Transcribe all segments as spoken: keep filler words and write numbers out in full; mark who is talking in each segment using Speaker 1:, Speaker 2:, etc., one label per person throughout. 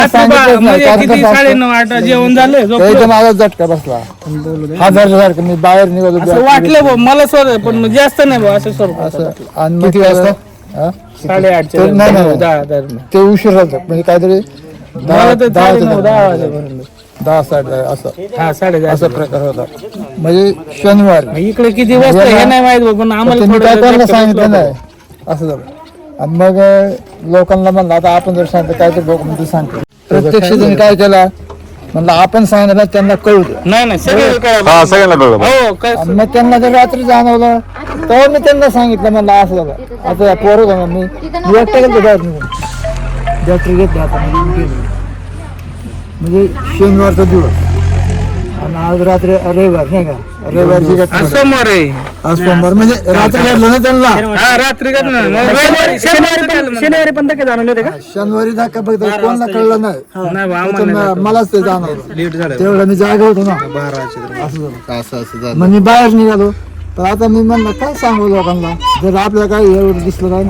Speaker 1: साडेनऊ आठ जेवण झालं
Speaker 2: माझा झटका बसला हजारच्या सारखं मी बाहेर निघालो
Speaker 1: वाटलं भाऊ मला स्वतः पण जास्त नाही भाऊ असं स्वरूप
Speaker 2: आणि किती वाजता
Speaker 1: साडेआठ
Speaker 2: नाही नाही ते उशीर झालं म्हणजे काहीतरी दहा दहा वाजेपर्यंत दहा साडे असं
Speaker 1: हा साडे
Speaker 2: असा प्रकार होता म्हणजे शनिवार
Speaker 1: इकडे किती वाजता हे नाही माहित पण आम्हाला
Speaker 2: काय कोणाला सांगितलं नाही असं झालं. आणि मग लोकांना म्हणलं आता आपण जर सांगतो काय तर लोक म्हणजे सांगतो प्रत्यक्ष त्यांनी काय केला म्हणलं आपण सांगितलं त्यांना कळू दे
Speaker 1: नाही नाही
Speaker 3: सगळ्यांना
Speaker 2: कळलं मग त्यांना जर रात्री जाणवलं तेव्हा मी त्यांना सांगितलं म्हणलं असं झालं आता पोरं का मी एकट्या गेलो बाहेर निघून डॉक्टर घेतले आता म्हणजे शनिवारचा दिवस आणि आज रात्री रविवार नाही का रविवारची घटना
Speaker 1: सोमवार आहे
Speaker 2: आज सोमवार म्हणजे रात्री घडलं ना त्यांना
Speaker 1: रात्री शनिवारी पण धक्के जाणवले होते का
Speaker 2: शनिवारी धक्का बघ कोणाला कळलं नाही मलाच ते जाणवलं तेवढं मी जागा होतो ना असं मग मी बाहेर निघालो तर आता मी म्हणलं काय सांगू लोकांना जर आपल्याला काय एवढं दिसलं काय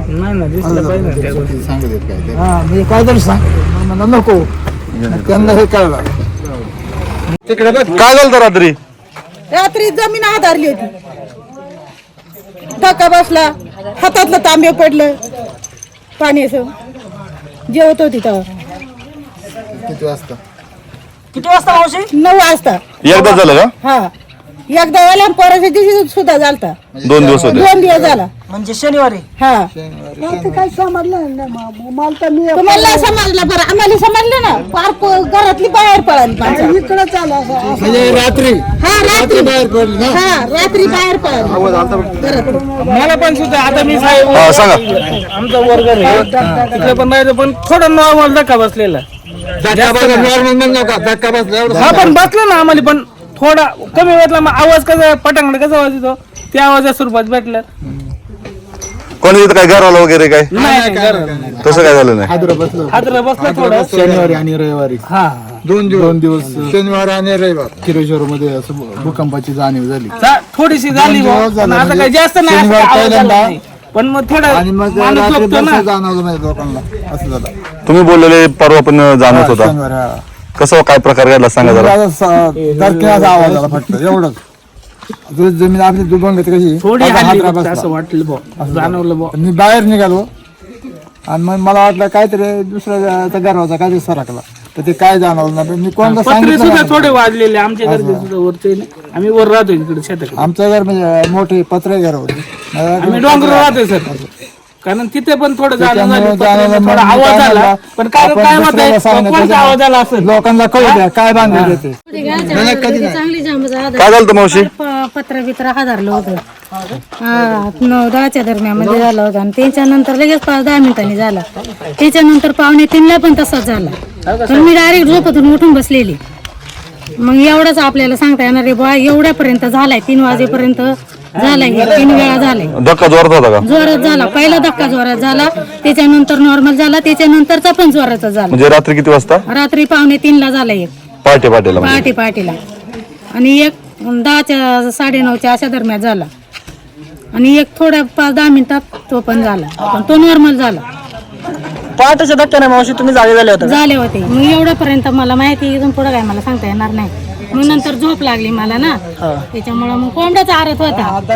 Speaker 2: ना हा मी काहीतरी सांग म्हणलं नको त्यांना हे कळलं
Speaker 3: तिकडे काय झालं रात्री
Speaker 4: रात्री जमीन आधारली होती धक्का बसला हातातलं तांबे पडलं पाणी असं जेवत होती तेव्हा
Speaker 2: किती वाजता
Speaker 4: किती वाजता मावशी नऊ वाजता
Speaker 3: एकदा झालं का
Speaker 4: हा एकदा आला पोराच्या दिवशी सुद्धा झालता
Speaker 3: दोन दिवस होते
Speaker 4: दोन दिवस झाला
Speaker 1: म्हणजे शनिवारी
Speaker 4: हा काय समजलं तुम्हाला समजलं बरं आम्हाला समजलं ना पार घरातली बाहेर पळाली इकडे चालू
Speaker 2: म्हणजे रात्री
Speaker 4: हा रात्री
Speaker 2: बाहेर पडली ना
Speaker 4: हा रात्री बाहेर पळाली
Speaker 1: मला पण सुद्धा आता मी साहेब
Speaker 3: सांगा
Speaker 1: आमचा वर्ग आहे तिकडे पण राहायचं पण थोडं नॉर्मल धक्का बसलेला
Speaker 2: धक्का बसला
Speaker 1: हा पण बसला ना आम्हाला पण थोडा कमी वाटला मग आवाज कसा पटांगड कसा आवाज येतो त्या आवाजा स्वरूपात भेटलं
Speaker 3: कोणी काय घराला वगैरे काय तसं काय झालं नाही
Speaker 1: हादरा बसला थोडं
Speaker 2: शनिवारी आणि रविवारी
Speaker 1: हा
Speaker 2: दोन दिवस दोन दिवस शनिवार आणि रविवार किरेश्वर मध्ये असं भूकंपाची जाणीव झाली
Speaker 1: थोडीशी झाली पण आता काही जास्त नाही पण मग थोडं
Speaker 2: आणि मग जाणवलं नाही लोकांना असं झालं.
Speaker 3: तुम्ही बोललेले परवा पण जाणवत होता कसं काय प्रकार घडला सांगा जरा
Speaker 2: आवाज आला फक्त एवढंच जमीन आपली दुबंग कशी
Speaker 1: असं वाटलं जाणवलं
Speaker 2: मी बाहेर निघालो आणि मग मला वाटलं काहीतरी दुसऱ्या गरवाचा काहीतरी सरकला तर ते काय जाणवलं ना मी कोणता
Speaker 1: सुद्धा थोडे वाजलेले आमच्या घरचे सुद्धा वरचे आम्ही वर राहतो इकडे शेतात
Speaker 2: आमचं घर म्हणजे मोठे पत्रे घर होते
Speaker 1: आम्ही डोंगर राहतोय सर कारण तिथे पण थोडं थोडा आवाज आला पण काय काय मत आवाज आला असेल
Speaker 2: लोकांना कळू द्या काय बांधले ते
Speaker 4: चांगली
Speaker 3: काय झालं मावशी
Speaker 4: पत्र बित्र हादरलं होतं हा नऊ दहाच्या दरम्यान झालं होतं आणि त्याच्यानंतर लगेच पाच दहा मिनिटांनी झाला त्याच्यानंतर पावणे तीनला पण तसाच झाला तर मी डायरेक्ट झोपेतून उठून बसलेली मग एवढंच आपल्याला सांगता येणार रे बा एवढ्यापर्यंत झालाय तीन वाजेपर्यंत झालाय तीन वेळा झालाय
Speaker 3: धक्का जोरात होता का
Speaker 4: जोरात झाला पहिला धक्का जोरात झाला त्याच्यानंतर नॉर्मल झाला त्याच्यानंतरचा पण जोराचा झाला
Speaker 3: म्हणजे रात्री किती वाजता
Speaker 4: रात्री पावणे तीनला झाला एक
Speaker 3: पहाटे पहाटेला
Speaker 4: पहाटे पहाटेला आणि एक दहाच्या साडेनऊच्या अशा दरम्यान झाला आणि एक थोड्या पाच दहा मिनिटात तो पण झाला पण तो नॉर्मल झाला
Speaker 1: पहाटेच्या धक्क्याने मावशी तुम्ही जागे झाले होते
Speaker 4: झाले होते मग एवढ्यापर्यंत मला माहिती इथून पुढे काय मला सांगता येणार नाही मग नंतर झोप लागली मला ना त्याच्यामुळे मग कोंबड्याच आरत होता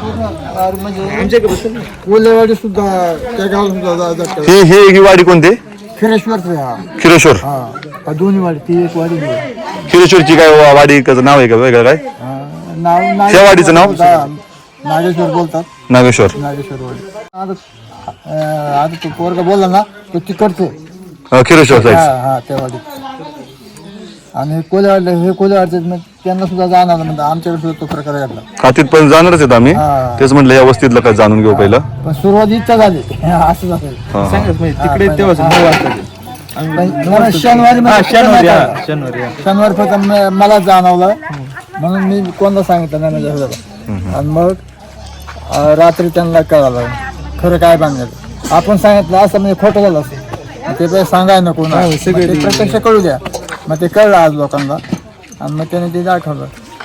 Speaker 2: कोल्हेवाडी सुद्धा त्या गावात सुद्धा
Speaker 3: ही ही ही वाडी कोणती
Speaker 2: खिरेश्वर
Speaker 3: खिरेश्वर
Speaker 2: हा दोन्ही वाडी ती एक वाडी
Speaker 3: खिरेश्वरची काय वाडी नाव आहे का वेगळं काय
Speaker 2: नाव
Speaker 3: त्या वाडीचं नाव
Speaker 2: नागेश्वर बोलतात
Speaker 3: नागेश्वर
Speaker 2: नागेश्वर वाडी आता आता तो पोरगा बोलला ना तो तिकडचे
Speaker 3: खिरेश्वर साईड
Speaker 2: हा त्या वाडीत आणि कोल्हेवाडले हे कोल्हेवाडचे त्यांना सुद्धा जाणार म्हणजे आमच्याकडे सुद्धा तो प्रकार घडला
Speaker 3: खातीत पण जाणारच आहेत आम्ही तेच म्हटलं या वस्तीतलं काय जाणून घेऊ पहिलं
Speaker 2: पण सुरुवात इच्छा झाली असं झालं
Speaker 1: तिकडे तेव्हा
Speaker 2: शनिवारी शनिवारी फक्त मला जाणवलं म्हणून मी कोणाला सांगितलं नाही म्हणजे आणि मग रात्री त्यांना कळालं खरं काय बांधलं आपण सांगितलं असं म्हणजे खोटं झालं असं ते काही सांगाय नको ना प्रत्यक्ष कळू द्या मग ते कळलं आज लोकांना आणि मग त्याने ते दाखवलं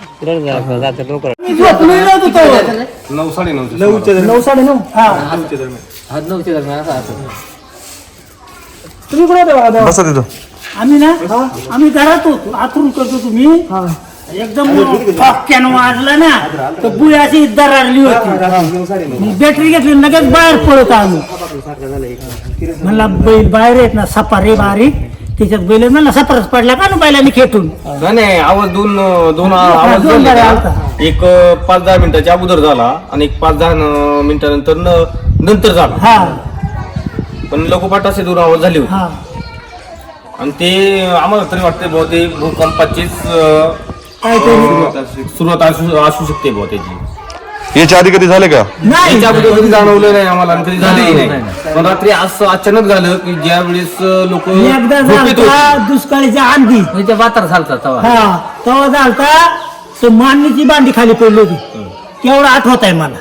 Speaker 1: नऊ साडे नऊ साडे नऊ हा नऊच्या दरम्यान तुम्ही कुठे
Speaker 3: बसा तिथं
Speaker 5: आम्ही ना आम्ही घरात होतो आतून करतो तुम्ही एकदम फटक्यानं वाजला ना तर बुई अशी दरारली होती बॅटरी घेतली लगेच बाहेर पळत आलो म्हणला बैल बाहेर येत ना सपार रे बारीक त्याच्यात बैल म्हणला सपारच पडला का ना बैलांनी खेटून
Speaker 6: नाही आवाज दोन दोन आवाज
Speaker 5: दोन
Speaker 6: झाले
Speaker 5: गाड्या
Speaker 6: का?
Speaker 5: आलता.
Speaker 6: एक अं, पाच दहा मिनिटाच्या अगोदर झाला आणि एक पाच दहा अं, मिनिटानंतर न- नंतर झाला
Speaker 5: हा
Speaker 6: पण लगोपाठ असे दोन आवाज झाले होते
Speaker 5: हा
Speaker 6: आणि ते आम्हाला तरी वाटते बुवा ते भूकंपाचीच अं,
Speaker 5: काहीतरी
Speaker 6: सुरुवात असू असू शकते बुवा त्याची
Speaker 3: याच्या आधी कधी झाले का
Speaker 5: नाही
Speaker 6: याच्या अगोदर कधी जाणवलं नाही आम्हाला आणि कधी झालंही नाही पण रात्री असं अचानक झालं की ज्या वेळेस लोक
Speaker 5: एकदा झालता दुष्काळीच्या आंधी
Speaker 6: वातार झालता तेव्हा
Speaker 5: हा तेव्हा झालता तर मांडणीची बांडी खाली पडली होती तेवढा आठवत आहे मला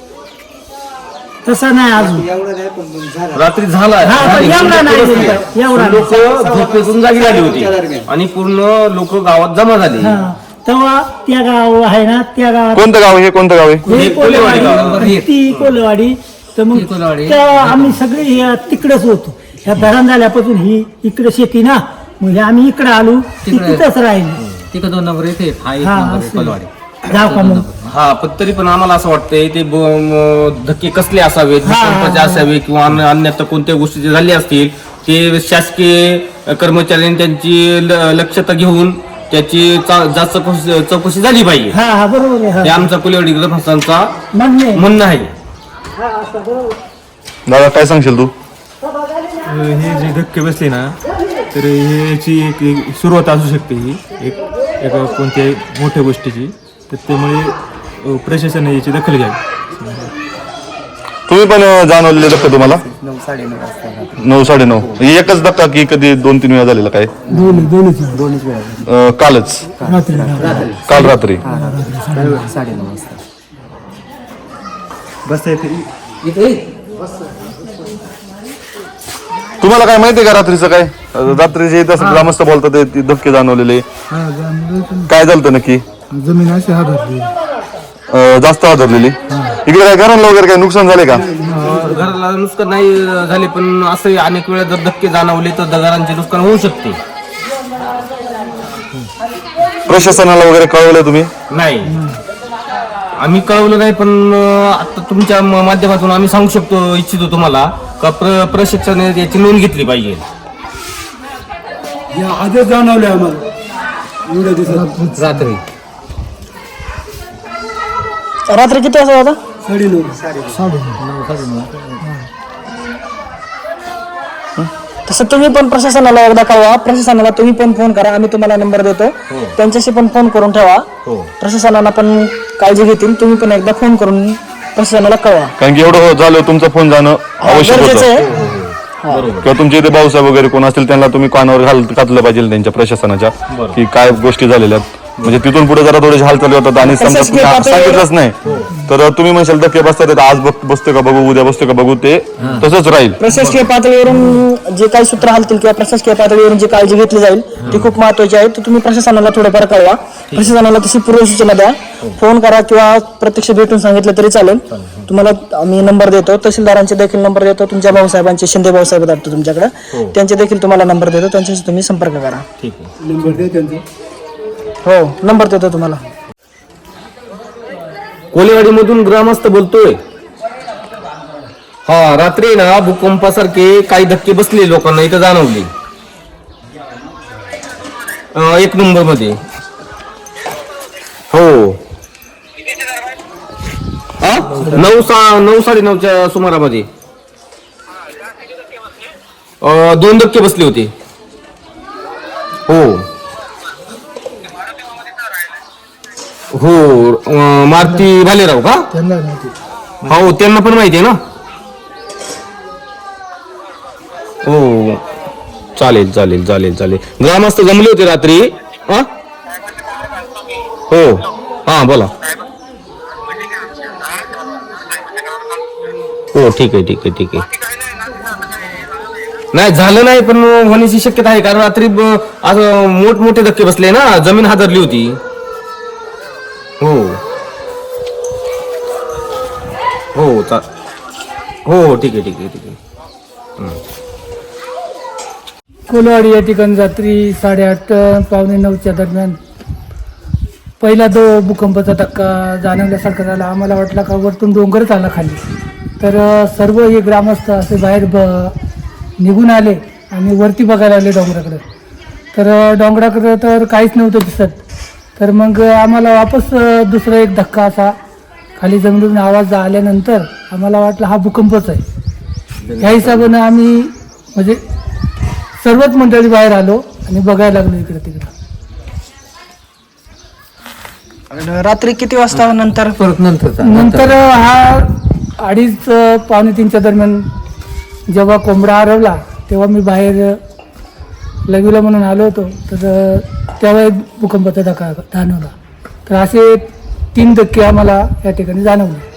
Speaker 5: तसं नाही अजून
Speaker 6: रात्री झाला
Speaker 5: हा, पण एवढा नाही, एवढा
Speaker 6: लोक झोपेतून जागी झाली होती आणि पूर्ण लोक गावात जमा झाली
Speaker 5: हा तेव्हा त्या गाव आहे ना त्या गावात
Speaker 3: कोणतं गाव हे कोणतं गाव आहे
Speaker 5: हे
Speaker 6: कोलेवाडी गाव.
Speaker 5: कोलेवाडी ती कोलेवाडी तर मग तेव्हा आम्ही सगळे हे तिकडेच होतो ह्या धरण झाल्यापासून ही इकडे शेती ना म्हणजे आम्ही इकडे आलो ती तिथंच राहिली
Speaker 7: तिकडे दोन नंबर येते हा एक
Speaker 5: हा,
Speaker 7: नंबर आहे
Speaker 5: असं.
Speaker 7: कोलवाडी.
Speaker 5: जाऊ का मग
Speaker 6: हा पण तरी पण आम्हाला असं वाटतंय ते ब- म- धक्के कसले असावेत
Speaker 5: हा, हा,
Speaker 6: भूकंपाचे असावे किंवा अन्य अन्यथा कोणत्या गोष्टी जे झाल्या असतील ते शासकीय कर्मचाऱ्यांनी त्यांची ल- लक्षता घेऊन त्याची चा- जास्त चौकशी चौकशी झाली पाहिजे
Speaker 5: हा हा बरोबर आहे
Speaker 6: हे
Speaker 5: हा.
Speaker 6: आमचा कुलेवाडी ग्रामस्थांचा
Speaker 5: म्हणणे
Speaker 6: म्हणणं आहे
Speaker 3: दादा काय सांगशील तू
Speaker 8: हे जे धक्के बसले ना तर ह्याची एक एक सुरुवात असू शकते ही एक एका कोणत्याही मोठ्या गोष्टीची तर त्यामुळे अ, प्रशासनाने याची दखल घ्यावी
Speaker 3: तुम्ही पण अं, जाणवलेले धक्का तुम्हाला नऊ साडे नऊ एकच धक्का की कधी दोन तीन वेळा झालेला काय अं, कालच काल रात्री तुम्हाला काय माहितीये का रात्रीचं काय रात्री जे तसं ग्रामस्थ बोलतात ते- ते धक्के जाणवलेले काय झालं नक्की
Speaker 2: जमीन अशी हादरली
Speaker 3: अं, जास्त आदरलेली इकडे काय घरांना वगैरे काय नुकसान झाले का
Speaker 6: घराला नुकसान नाही झाले पण असं अनेक वेळा जर धक्के जाणवले तर घरांचे नुकसान होऊ शकते
Speaker 3: प्रशासनाला वगैरे कळवलं तुम्ही
Speaker 6: नाही आम्ही कळवलं नाही पण अं, आता तुमच्या म- माध्यमातून आम्ही सांगू शकतो इच्छितो तुम्हाला का प्र प्रशिक्षणाने याची नोंद घेतली पाहिजे
Speaker 2: आधीच जाणवले आम्हाला एवढ्या दिवसात
Speaker 7: रात्री
Speaker 5: रात्री किती वाजता होता
Speaker 2: साडेनऊ
Speaker 9: तसं तुम्ही पण प्रशासनाला एकदा कळवा प्रशासनाला तुम्ही पण फोन करा आम्ही तुम्हाला नंबर देतो त्यांच्याशी पण फोन करून ठेवा प्रशासनाला पण काळजी घेतील तुम्ही पण एकदा फोन करून प्रशासनाला कळवा
Speaker 3: कारण की एवढं झालं तुमचं फोन जाणं आवश्यक
Speaker 9: गरजेचं
Speaker 3: होतं
Speaker 9: आहे
Speaker 3: किंवा तुमचे इथे भाऊसाहेब वगैरे कोण असतील त्यांना तुम्ही कानावर घाल घातलं पाहिजे त्यांच्या प्रशासनाच्या की काय गोष्टी झालेल्या आहेत म्हणजे तिथून पुढे जरा थोडेसे हालचाली होतात आणि समजा
Speaker 9: प्रशासकीय
Speaker 3: तुम्ही
Speaker 9: पातळीवर-
Speaker 3: सांगितलंच नाही तर तुम्ही म्हणशाल धक्के बसतात आज बघ बसतो का बघू उद्या बसतो का बघू ते तसंच राहील
Speaker 9: प्रशासकीय पातळीवरून जे काही सूत्र हालतील किंवा प्रशासकीय पातळीवरून जी काळजी घेतली जाईल ती खूप महत्वाची आहे ती तुम्ही प्रशासनाला थोडंफार कळवा प्रशासनाला तशी पूर्वसूचना द्या फोन करा किंवा प्रत्यक्ष भेटून सांगितलं तरी चालेल तुम्हाला आम्ही नंबर देतो तहसीलदारांचे देखील नंबर देतो तुमच्या भाऊसाहेबांचे शिंदे भाऊसाहेब वाटतो तुमच्याकडे त्यांचे देखील तुम्हाला नंबर देतो त्यांच्याशी तुम्ही संपर्क करा
Speaker 2: नंबर दे त्यांचा
Speaker 9: हो नंबर देतो तुम्हाला
Speaker 6: कोलेवाडी मधून ग्रामस्थ बोलतोय हा रात्री ना भूकंपासारखे काही धक्के बसले लोकांना इथं जाणवले अं, एक नंबर मध्ये हो हा? नऊ सा नऊ साडे नऊच्या सुमारामध्ये अं, दोन धक्के बसले होते हो हो अं, मारुती भालेराव का
Speaker 2: त्यांना माहिती
Speaker 6: हो त्यांना पण माहिती आहे ना हो चालेल चालेल चालेल चालेल ग्रामस्थ जमले होते रात्री हा हो हा बोला हो ठीक आहे ठीक आहे ठीक आहे नाही झालं नाही पण होण्याची शक्यता आहे कारण रात्री ब- असं मोठमोठे धक्के बसले ना जमीन हादरली होती हो हो चा हो ठीक आहे ठीक आहे ठीक आहे
Speaker 5: कोलवाडी या ठिकाणी रात्री साडेआठ पावणे नऊच्या दरम्यान पहिला जो भूकंपाचा धक्का जाणवल्यासारखा झाला. आम्हाला वाटला का वरतून डोंगरच आला खाली. तर अ, सर्व हे ग्रामस्थ असे बाहेर ब निघून आले आणि वरती बघायला आले डोंगराकडे. तर अ, डोंगराकडे तर काहीच नव्हतं दिसत. तर मग आम्हाला वापस अ, दुसरा एक धक्का असा खाली जमिनीतून आवाज आल्यानंतर आम्हाला वाटलं हा भूकंपच आहे. ह्या हिशोबानं आम्ही म्हणजे सर्वच मंडळी बाहेर आलो आणि बघायला लागलो इकडे तिकडे.
Speaker 9: रात्री किती वाजता नंतर
Speaker 1: परत नंतर
Speaker 5: नंतर हा अडीच अ, पावणे तीनच्या दरम्यान जेव्हा कोंबडा हरवला तेव्हा मी बाहेर लघवीला म्हणून आलो होतो. तर अ, तेव्हा एक भूकंपाचा धक्का जाणवला. तर असे तीन धक्के आम्हाला या ठिकाणी जाणवले.